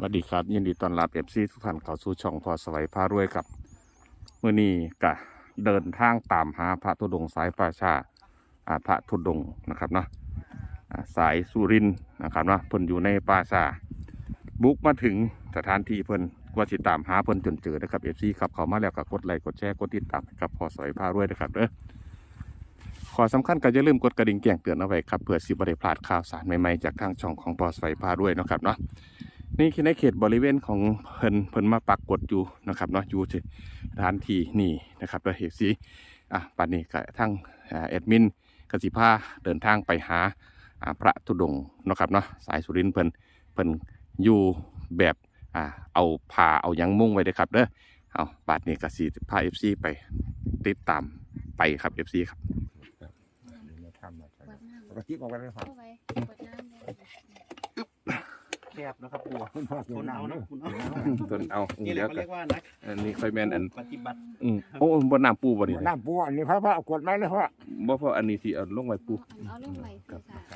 สดีครับยินดีต้อนรับFCทุกท่านเข้าสู่ช่องพอสวัยพารวยกับมื้อนี้ก็เดินทางตามหาพระธุดงค์สายป่าชาพระธุดงค์นะครับเนาะสายสุรินทร์นะครับเนาะเพิ่นอยู่ในป่าชาบุกมาถึงสถานที่เพิ่นว่าสิตามหาเพิ่นจนเจอนะครับ FC ครับเข้ามาแล้วก็กดไลค์กดแชร์กดติดตามกับพอสวัยพารวยนะครับขอสำคัญก็อย่าลืมกดกระดิ่งแจ้งเตือนเอาไว้ครับเพื่อสิบ่ได้พลาดข่าวสารใหม่ๆจากทางช่องของพอสวัยพารวยนะครับเนาะนี่คือในเขตบริเวณของเพิ่นมาปักกดอยู่นะครับเนาะอยู่ที่สถานที่นี่นะครับเราเห็นสิป่านนี้ก็ทั้งแอดมินกสิพาเดินทางไปหาพระธุดงค์นะครับเนาะสายสุรินทร์เพิ่นอยู่แบบเอาผ้าเอายังมุ่งไว้เด้อครับเด้อเอาป่านนี้ก็สิพา FC ไปติดตามไปครับ FC ครับปกติบอกกันเลยครับแคบนะครับปู่ทนเอาเนาะต้นเอานี่แหละเขาเรียกว่านักอันนี้ค่อยแม่นอันปฏิบัติโอ้บ่น้ำปูบ่นี่น้ำปูอันนี้พระเอากดไม้เลยพ่อบ่พออันนี้สิเอาลงไว้ปูเอาลงไว้สิค่ะ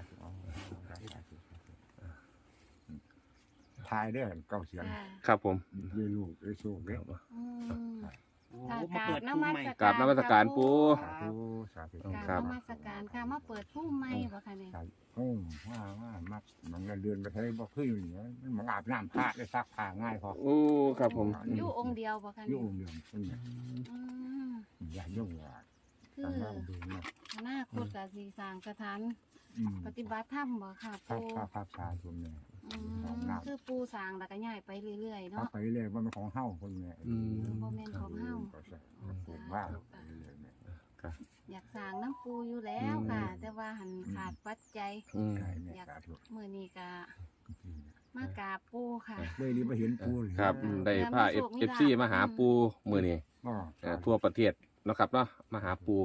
ทายเด้อเก่าเสียงครับผมเยลูกเยซูเด้อโอ้มาเปิดน้ำผู้มัใหม่สกราบนมัสการปูสาธุสาธุการนมัสการค่ะมาเปิดผู้ใหม่บ่ค่ะเนี่ยว่ามักมันเงินเดือนไปใช้บ่คืออยู่เนี่ยมันอาบน้ำผ้าได้ซักผ้าง่ายพอโอ้ครับผมอยู่องค์เดียวบ่ค่ะยุ่เนี่ยงเดียวคนเนี่ยอืมอย่ายุ่งอย่าคือทำงานดูนะอนาคตก็สิสร้างสถานปฏิบัติธรรมบ่ค่ะภาพปู่ภาพชาทุนเนี่ยคือปู่สร้างแล้วก็ย้ายไปเรื่อยๆเอาเนาะไปเลยว่ามันของเฮ้าคนเนี่ยบ่แม่นของเฮาก็ใช่ผมว่าไปเลยเนี่ยอยากสร้างน้ำปู่อยู่แล้วค่ะ แต่ว่าหันขาดปัจจัยใช่เนี่ยสาธุมื้อนี้ก็มากราบปู่ค่ะเลยนี่มาเห็นปูเลยครับได้พา FC มาหาปูมื้อนี้ ทั่วประเทศเนาะครับเนาะมาหาปู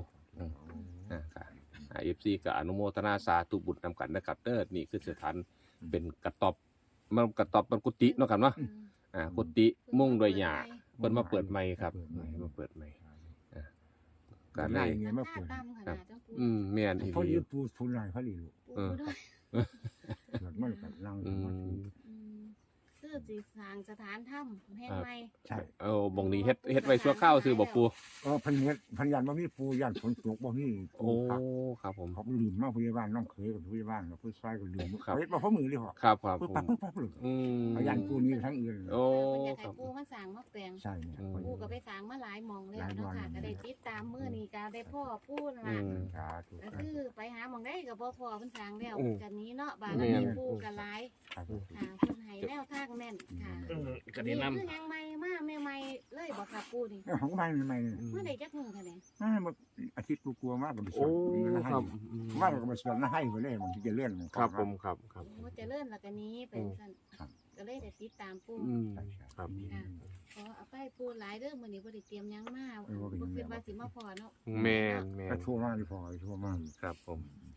FC ก็อนุโมทนาสาธุบุญนำกันนะครับเด้อนี่คือสถานเป็นกระต๊อบมันกุฏิเนาะครับเนาะกุฏิมุ่งด้วยหญ้าเพิ่นมาเปิดใหม่ครับมาเปิดใหม่ก็ได้เงี้ยมาเปิดแม่นอีหเขาลียืดปูทุนไรเขาดีลูกปู่ด้วยเกิดมันกับนั่งสมาธิคือสิสร้างสถานถ้ำแห่งใหม่ใช่เอาบ่งนี้เฮ็ดไว้ชั่วคราวซื่อบ่ปูพันเฮ็ดพันยันบ่มีปูยันฝนตกบ่มีโอ้ครับผมเขาลืมมาพยาบาลน้องเคยกับพยาบาลกับผู้ชายก็ลืมเฮ็ดบ่พอมือเลยพ่อครับปึ๊บผมปั๊บเลยเขายันปูนี้ทั้งอื่นโอ้เพิ่นอยากครัให้บปูมาสร้างมาแปลงใช่เนี่ยปูก็ไปสร้างมาหลายหม่องแล้วเนาะค่ะก็ได้ติดตามมื้อนี้ก็ได้พ่อปูนั่นล่ะสาธุก็คือไปหาหม่องได้ก็บ่พอเพิ่นสร้างแล้วกันนี้เนาะบาดแม่นี้นปูก็หลายสาธุค่ะเพิ่นให้แนวทางแม่นค่ะก็ได้นำคือยังใหม่มาใหม่ๆเลยบ่ค่ะปูนี่ของบ้านใหม่เมื่อใดจักมื้อค่ะเนี่ยมันอาทิตย์กลัวมากก็ไปสโอ้วนครับว่าก็ไปสวนให้ไปเลยมันจะเลื่อนครับผมครับโอ้เจริญแล้วก็นี้เป็นซั่นก็เลยได้ติดตามปูครับขอเอาไปปูหลายเด้อมื้อนี้บ่ได้เตรียมหยังมาบ่คิดว่าสิมาพอเนาะแม่นทั่วมากที่พอทั่วมากครับผม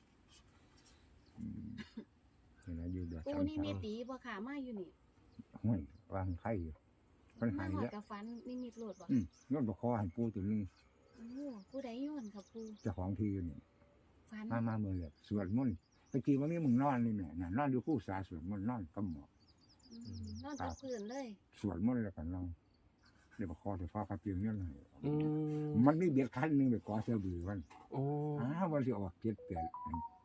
เห็นไหมอยู่เดือดปูนี่มีตีบ่ค่ะมาอยู่นี่ห้วยวางไข่อยู่มันหายมาแล้วกับฟันนี่มีโลดบ่ย้อนบกคอหันปูตัวนึงโอ้ผู้ใดย้อนครับปูเจ้าของทีอยู่นี่ฟันมาเมื่อเลยสวดมนต์ตะกี้ว่ามีมึงนอนนี่แม่นอนอยู่คู่สาสวดมนต์นอนกับหมอนอนกับพื้นเลยสวดมนต์แล้วกันนอนเดี๋ยวบกคอจะฟ้าคาเตียงเนี่ยเลยมันมีเบียดคันนึงไปก่อเสือบือมันโอ้วันที่ออกเจ็ดแปด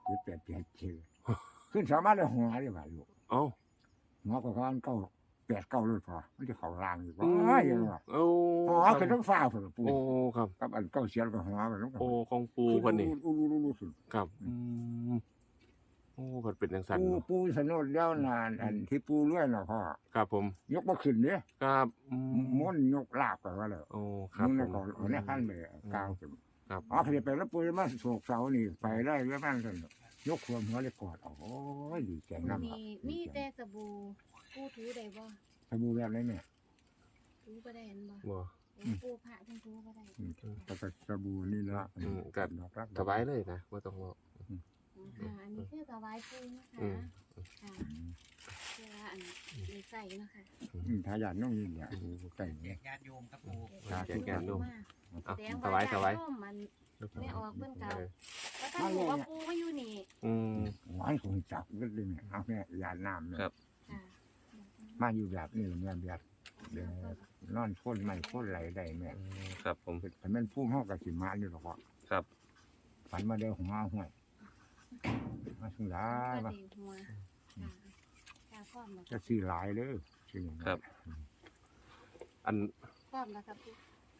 ขึ้นสามารถได้หัวได้บ่ลูกเอ้าหัวก็ก้อนเก้า8 9เลยพอมันจะเข่าล่างอยู่ว่าอย่างว่าโอ้หัวคือต้องฟ้าผมปูโอ้ครับกับอันเก้าเสียนกับหัวมันต้องโอ้ของปูเพิ่นนี่รู้สุดครับโอ้เพิ่นเป็นจังซั่นปูสนุนเลี้ยวนานอันที่ปูเลื่อยน่ะพ่อครับผมยกมาขึ้นเนี่ยครับม้วนยกลาบกันว่าเลยโอ้ครับมึงผเนี่ยมก่อนเนี่ยขั้นไปกาวขึ้นครับอ๋อเคยไปแล้วปูมาโศกเสานี่ไปได้แล้วมันกันยกความหัวเลยกอดโอ้ยดีใจน้ำมีแต่สบู่ปูถูได้บ่สบู่แบบไรเนี่ยถูบ่ได้เห็นบ่บ่ปูพระจังถูบ่ได้ก็สบู่นี่ละก็สบายเลยนะบ่ต้องว่าค่ะอันนี้คือถวายปูนะคะค่ะเพื่ออันได้ใส่เนาะค่ะทายาทน้องนี่เนี่ยใกล้แจกญาติโยมครับปู่แจกงานลูกแสดงสบายมันไม่ออกเพิ่นเก่าแล้วต้องบอกว่าปูมาอยู่นี่หวานคงจับก็เลยเนี่ยเอาแม่ยาน้ำเนี่ยค่ะมาอยู่แบบนี้แม่แบบนอนพ่นไม่พ่นไหลได้แม่ครับผมแต่แม่นพุ่มห้องกับสิมาอยู่หรอกว่าครับฝันมาเดียวหัวห้วยมาสุดท้ายมาดีหัวค่ะพร้อมแล้วจะซื้อหลายเลยซื้อหลายครับ อันพร้อมแล้วครับ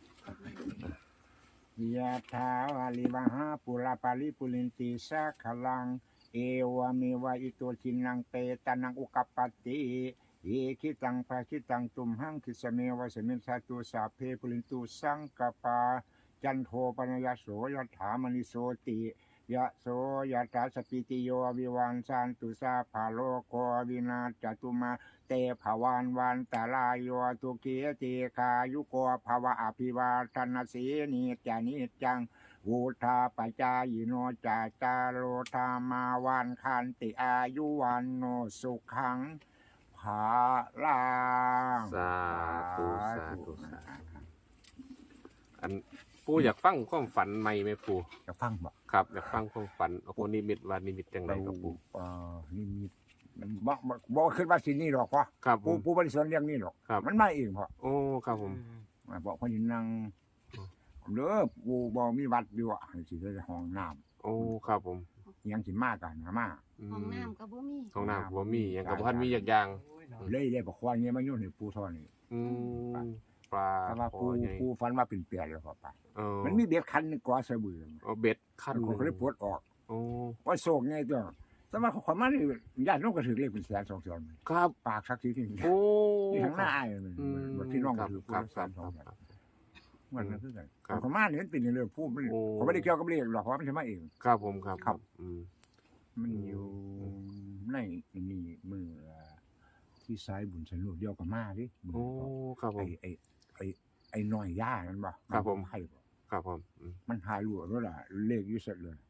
พี่ยะถาวาลิวหาปุราปาริปุรินติสาขลังเอวเมวะอิโตทินังเปตานังอุกัปปติเอคิตังภาคิตังตุมหังคิสเมวะสมิงสาตุสาเพปุรินตุสังกปาจันโทปนยโสยถามณิโสติยะโสยถาสปิติโยวิวันสันตุสาภาโลโกวินาศจตุมาเตภวันวันตาลายโยตุเกียติคายุโกภวะอภิวาทนาสีนิจานิจังวุธาปจายโนจาจาโรธามาวันคันติอายุวันโนสุขังภาลังสาธุสาธุสาธุอันปู่อยากฟังความฝันใหม่ไหมปู่จะฟังบ่ครับอยากฟังความฝันโอ้โหนิมิตว่านิมิตจังไรครับปู่นี่มีบ่ขึ้นว่าสินี่หรอกพ่อครับผปู่มปู่บริสุทธิ์เรื่องนี้หรอกครับมันมาเองพ่อโอ้ครับผมมาบอกพ่อยินนั่งอืมเด้อปู่บ่มีวัดอยู่อ่ะสิได้ห้องน้ำโอ้ครับผมยังสิมากันนะมาห้องน้ำกับบ่มีห้องน้ำบ่มีหยังกับพันมีอย่างเลยได้บอกว่าเงี้ยมาโยนให้ปู่เท่านี้อืมปลาแต่ว่าคอปู่ใหญ่ปู่ฝันว่าเป็นเปียแล้วพ่อไปเออมันมีเบ็ดคันหนึงกว่าสะบือเอาเบ็ดขั้นหเขานึ่งก็เลยปลดออกโอ้ว่าโศกไงตัวแต่ว่าขอยมานี่ญาติน้องก็ถือเลขเป็นแสน2แสนครับปากสักทีที่โอ้ที่ทางหน้าอ้ายมันอืมบ่ที่น้องคก็รับถือครับแสนค 2 รับแสนมันนั่นคือกันครับขอยมานี่มันเป็นเรื่องพูดมันโอ้เขาไม่ได้เกี่ยวกับเลขหรอกเพราะมันจะมาเองครับผมครับครับอืมมันอยู่ในนี่มือที่ซ้ายบุญสนุกเดียวกับมาดิโอ้ครับผมไอ้น้อยย่านั่นบ่ครับผมให้บ่ครับผมอืมมันหายรั่วแล้วล่ะเลขอยู่เสร็จเลย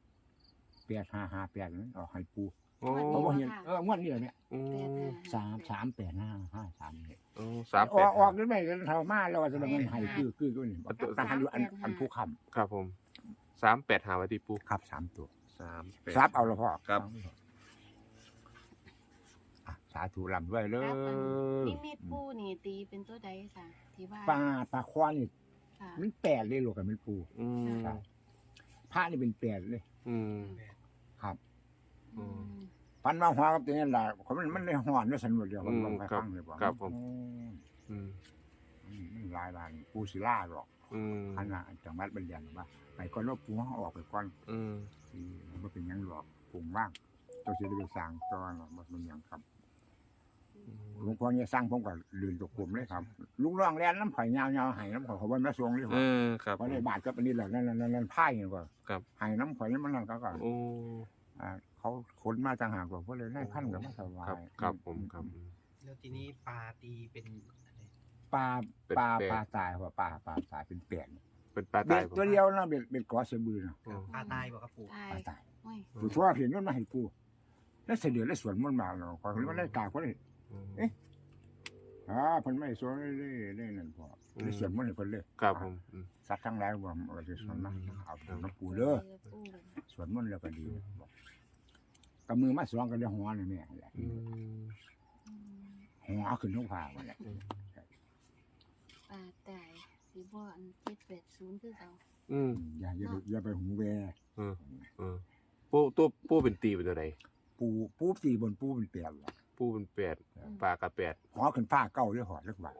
8558นั้นเอาให้ปูโอ้เพราะว่าเห็นงวดนี้แหละเนี่ยอืม 3385553เนี่ยโอ้สามอแปอดกออกได้ไหมกันเท่ามาแล้วว่าจะมันให้คือก็นี่ตั้งอยู่อันผู้ค้ำครับผม38หาไว้ที่ปูครับ3ตัว 38 ซับเอาละพ่อครับสาธุลำด้วยเลครับอันยนิมิตปูนี่ตีเป็นตัวใดค่ะที่ว่าปลาควานี่ค่ะมันแปดเลยลูกกับมันปูอืมครับพระนี่เป็นแปดเลยอืมครับอืมฟันมาหัวกับตัวนี้แหละมันได้หอนด้วยสนุกเดียวมันลงไปครับฟังเลยบ่ครับผมอืมอืมมันหลายบานปูศิลาหรอกอืมขนาดจังหวัดบัญญัติว่าไปก่อนว่าปูเขาออกไปก่อนอืมที่มันเป็นหยังหรอกปูว่างตัวเสียไปสร้างตอนหรอกมันเป็นหยังครับหลวงพ่อเนี่ยสร้างผมก็ลืนตกกลุ่มเลยครับลุงร่องแลนน้ำข่อยยาวๆให้น้ำข่อยเขาว่าแม่สวงเลยเออครับเพราะในบาทก็เป็นนี่แหละนั่นไพ่เนี่ยก็ครับให้น้ำข่อยมันนั่นก็โอ้เขาขนมาต่างหากกว่าเพราะเลยได้พันกับมาสบาครับยครับผมครับแล้วทีนี้ปลาตีเป็นอะไรปลาเป็นปลาแปดปลาตายว่าปลาตายเป็นเปลี่ยนเป็นปลาเบ็ตายดผมตัวเดียวนะเบ็ดกอสะบือนะอืมปลาตายบอกครับปู่ตายปลาตายโอ้ยผู้ทั่วเห็นมันมาให้ปูแล้วเสด็จแล้วสวนมันมาเนาะขอมันได้กากคนนี้อืมเพิ่นไม่สวนเลยนั่นพอได้สวนมันให้เพิ่นเลยครับผมอืมสัตว์ทั้งหลายว่าเราจะสวนมันเอาครับน้ำปูเด้อปูสวนมันแล้วก็ดีบอกกับมือมาสวงกันได้หัวนี่แม่แหละอืมหัวขึ้นท้องฟ้าว่าแหละปลาตายสีบ่อัน780คือเขาอืมอย่าไปหูแวอืมปูตัวปูเป็นตีเป็นตัวไหนปูสีบนปูเป็นเปียกล่ะปูเป็นแปดปลากระแปดหัวขึ้นฟ้าเก่าด้วยหอดเล็กว่าโอ้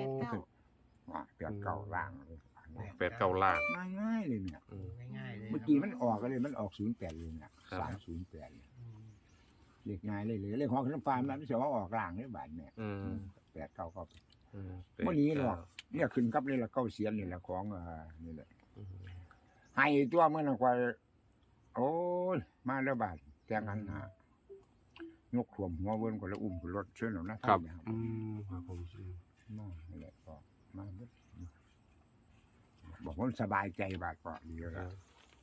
89 ว่าเปียกเก่าล่างเลยแปดเก้าล่างง่ายๆเลยเนี่ยอืมง่ายๆเลยเมื่อกี้มันออกก็เลยมันออก08เลยเนี่ยครับ 308เลยอืมเรียกง่ายเลยเลขหัวขึ้นฟ้ามันไม่ใช่ว่าออกล่างเนี่ยบาดเนี่ยอืม 8 9ก็อืมเมื่อนี้หรอกเนี่ยขึ้นกับนี่ละเก้าเสียนนี่แหละของนี่แหละอืมให้ตัวเมื่อนักว่าโอ้ยมาแล้วบาดแจ้งกันหายกขวมหัวเบิ้นก็แล้วอุ้มขึ้นรถเชิญหรอกนะครับอืมครับผมอืมมานี่แหละก็มาเบิดบอกว่าสบายใจบาดก็ดีแล้วครับ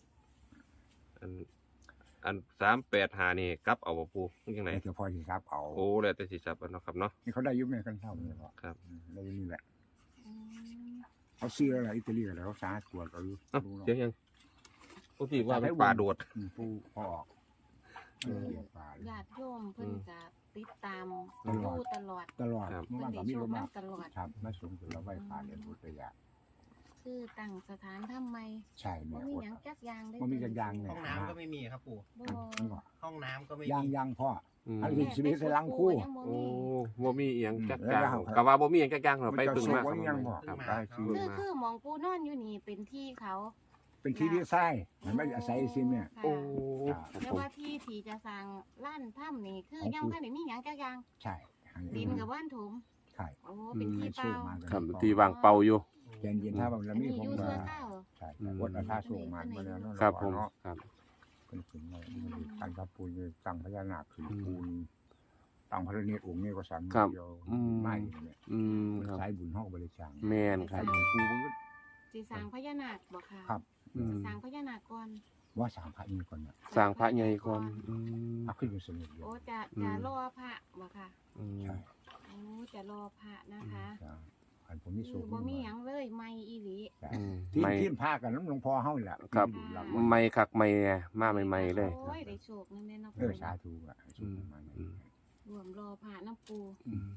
อัน38หานี่กลับเอาบ่ปูยังไงแต่พอสิครับเอาโอ้แล้วแต่สิจับเอาเนาะครับเนาะนี่เขาได้ยุบแม่กันเท่านี้ก็ครับได้นี่แหละอืมเขาซื้ออะไรอิตาลีอะไรเขาสาตรวจเอาอยู่เอ้าดูเนาะเดี๋ยวยังปกติว่าเป็นปลาโดดผู้พอออกเกี่ยวปลาเลยญาติโยมเพิ่นก็ติดตามตลอดดูตลอดตลอดครับเมื่อเพิ่วาน นได้ก็มีโชรคถมามาตลอดครับมาสูงสุดแล้วไหว้พระเรียนพุทธยาคือตั้งสถานทำไมใช่บ่แม่มีอดหยังจักอย่างเลยบ่มีจักอย่างเนี่ห้องน้ำก็ไม่มีครับปู่บ่มันก็ห้องน้ำก็ไม่ยังมียังพ่ออืมอันนี้ชีวิตในลังคู่ยังบ่โอ้มีบ่มีอีหยังจักแล้วจางเราก็ว่าบ่มีหยังจักจางเราไปมันจะปึงมาสู้บ่ยังบ่ครับได้คือคือหมองปูนอนอยู่นี่เป็นที่เขาเป็นที่ที่ไส้มันไม่อาศัยซิแม่ค่ะโอ้ครับแต่ผมว่าที่จะสร้างล้านถ้ำนี่คือของยังปู่บ่ได้มีหยังจักอย่างใช่ให้ดินกับว่านถมใช่โอ้เป็นที่เปสู้ล่ามาครับที่วางเป่าอยู่เย็นๆถ้ามันอัแล้วนมีนี้ผมอยู่ก็ชั่วคราวใช่คนเอาท่าสู้มามาแล้วเนาะครับผมเนาะครับเป็นถึงเลยตั้งพระปูนตั้งพญานาคขึ้นปูนตั้งพระเนตรองค์นี้ก็สามครับเดียวอืมไม่เนี่ยอืมมันครับสายบุญห้องบริจาคแม่นคสารับยบุญครูมันก็สิสร้างพญานาคบ่ค่ะครับอืมสร้างพญานาคก่อนว่าสามพระนี้ก่อนเนี่ยสร้างพระใหญ่ก่อนอืมเอาขึ้นเป็นสมุดเดียวโอ้จะอืมรอพระบ่ค่ะอืมใช่โอ้จะรอพระนะคะใช่อันผมมีคืสูอง บ่มีหยังเลยไม่อีหลีใช่อืมที่ไม่ที่พากันน้ำหลวงพ่อเฮานี่แหละครับที่อยู่หลังไม่คักไม่แน่มาใหม่ๆเลยโอ้ยได้โชคนั่นแน่เนาะสาธุอ่ะให้สุขประมาณนี้อืมรวมรอพระน้ำปูอืม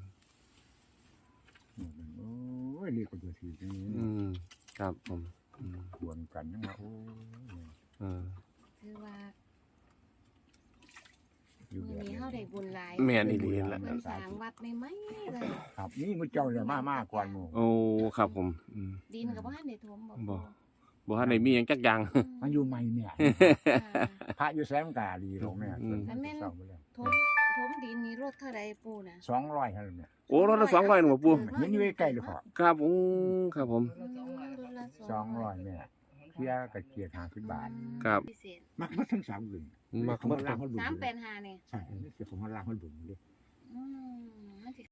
โอ้ยนี่ก็จะถือตรงนี้อืมครับผมอืมควรกันนะโอ้ยเออคือว่าอยู่มื้แบอบ นี้นี้เฮาได้บุญหลายแม่นอีหลีแหละเพิ่นสร้างวัดใหม่ๆเลยครับนี่มุเจ้าเนี่ยมากกว่าหมู่โอ้ครับผมอืมดินก็บ่ทันได้ถมบ่บ่ บ่ทันได้มีหยังจักอย่างมันอยู่ใหม่เนี่ยค่ะพระอยู่แสมกาดีลงเนี่ยอืมเศร้าไปแล้วถมดินนี่รถเท่าใดปูน่ะ 200เท่านั้นเนี่ยโอ้รถละ200หนูบ่ปู่เห็นอยู่ใกล้ๆเลยพ่อครับอืมครับผมรถละ 200เนี่ยเที่ยกระเกียด50 บาทครับพิเศษมักมาทั้ง3อื่นมักผมหมว่าดคล่ารับงเขาดุ 385เนี่ยใช่เดี๋ยวผมว่าล่างเขาดุเลยอืมมันสิ